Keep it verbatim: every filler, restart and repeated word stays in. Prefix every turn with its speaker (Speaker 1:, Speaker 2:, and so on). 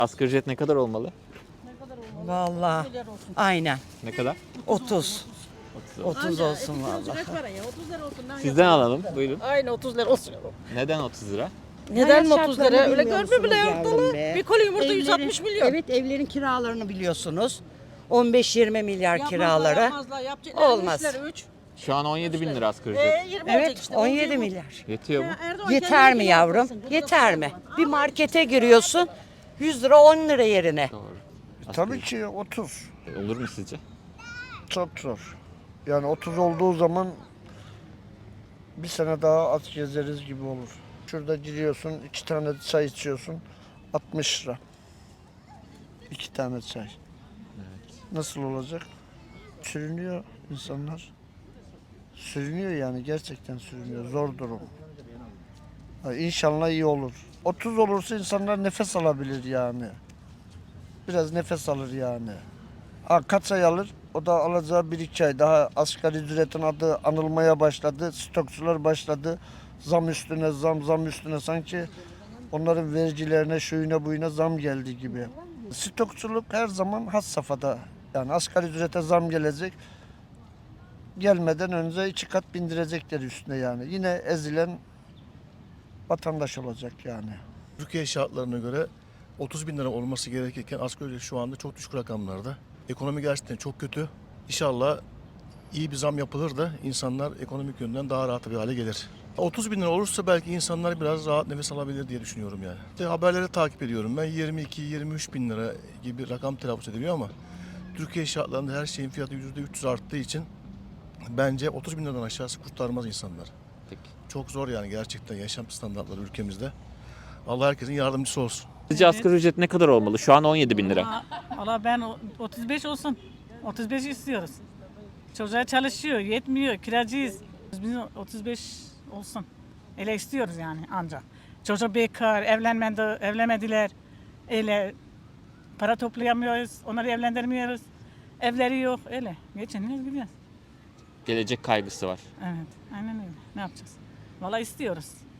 Speaker 1: Asgari ücret ne kadar olmalı?
Speaker 2: Vallahi aynen
Speaker 1: Ne kadar?
Speaker 2: otuz. otuz olsun
Speaker 3: Anca,
Speaker 2: vallahi.
Speaker 3: ücret var ya, otuz lira olsun.
Speaker 1: Sizden alalım. Buyurun.
Speaker 3: Aynı otuz lira olsun.
Speaker 1: Neden otuz lira?
Speaker 3: Neden
Speaker 2: Hayat
Speaker 3: otuz lira?
Speaker 2: şartlarını
Speaker 3: Öyle
Speaker 2: bilmiyor
Speaker 3: görme bile
Speaker 2: musunuz
Speaker 3: yok
Speaker 2: yavrum
Speaker 3: dolu.
Speaker 2: be?
Speaker 3: Bir koli yumurta
Speaker 2: Evlerin-
Speaker 3: yüz altmış milyon.
Speaker 2: Evet, evlerin kiralarını biliyorsunuz. on beş yirmi milyar
Speaker 3: Yapmazlar,
Speaker 2: kiraları.
Speaker 3: yapmazlar. Yapacaklar
Speaker 2: Olmaz.
Speaker 3: üçler, üç.
Speaker 1: Şu an on yedi bin lira asgari ücret.
Speaker 3: E, yirmi olacak
Speaker 2: Evet,
Speaker 3: işte.
Speaker 2: on
Speaker 3: Olacak
Speaker 2: yedi
Speaker 3: bu.
Speaker 2: milyar.
Speaker 1: Yetiyor mu?
Speaker 3: Erdoğan
Speaker 2: Yeter
Speaker 3: kendini
Speaker 2: mi
Speaker 3: bile
Speaker 2: yavrum?
Speaker 3: yaptırsın.
Speaker 2: Yeter mi? Bir markete giriyorsun yüz lira on lira yerine.
Speaker 1: Doğru. Asgari
Speaker 4: Tabii ki otuz.
Speaker 1: ücret. Olur mu sizce?
Speaker 4: Çok zor. Yani otuz olduğu zaman bir sene daha az gezeriz gibi olur. Şurada giriyorsun, iki tane çay içiyorsun, altmış lira. İki tane çay. Nasıl olacak? Sürünüyor insanlar. Sürünüyor yani, gerçekten sürünüyor. Zor durum. Ha, İnşallah iyi olur. otuz olursa insanlar nefes alabilir yani. Biraz nefes alır yani. Ha, kaç ay alır? O da alacağı bir iki ay. Daha asgari ücretin adı anılmaya başladı. Stokçular başladı. Zam üstüne zam, zam üstüne, sanki onların vergilerine, şuyuna buyuna zam geldi gibi. Stokçuluk her zaman has safhada. Yani asgari ücrete zam gelecek. Gelmeden önce iki kat bindirecekler üstüne yani. Yine ezilen vatandaş olacak yani.
Speaker 5: Türkiye şartlarına göre otuz bin lira olması gerekirken asgari ücret şu anda çok düşük rakamlarda. Ekonomi gerçekten çok kötü. İnşallah iyi bir zam yapılır da insanlar ekonomik yönden daha rahat bir hale gelir. otuz bin lira olursa belki insanlar biraz rahat nefes alabilir diye düşünüyorum yani. İşte haberleri takip ediyorum. Ben yirmi iki yirmi üç bin lira gibi rakam telaffuz ediliyor ama Türkiye şartlarında her şeyin fiyatı yüzde üç yüz arttığı için bence otuz bin liradan aşağısı kurtarmaz insanlar.
Speaker 1: Peki.
Speaker 5: Çok zor yani gerçekten yaşam standartları ülkemizde. Allah herkesin yardımcısı olsun.
Speaker 1: Sizce asgari ücret ne kadar olmalı? Şu an on yedi bin lira.
Speaker 6: Valla ben o- otuz beş olsun. otuz beş istiyoruz. Çocuğa çalışıyor, yetmiyor, kiracıyız. Biz otuz beş olsun. Öyle istiyoruz yani ancak. Çocuk bekar, evlenmedi, evlenmediler. Öyle para toplayamıyoruz, onları evlendirmiyoruz. Evleri yok, öyle. Geçiniyoruz gidiyoruz.
Speaker 1: Gelecek kaygısı var.
Speaker 6: Evet, aynen öyle. Ne yapacağız? Valla istiyoruz.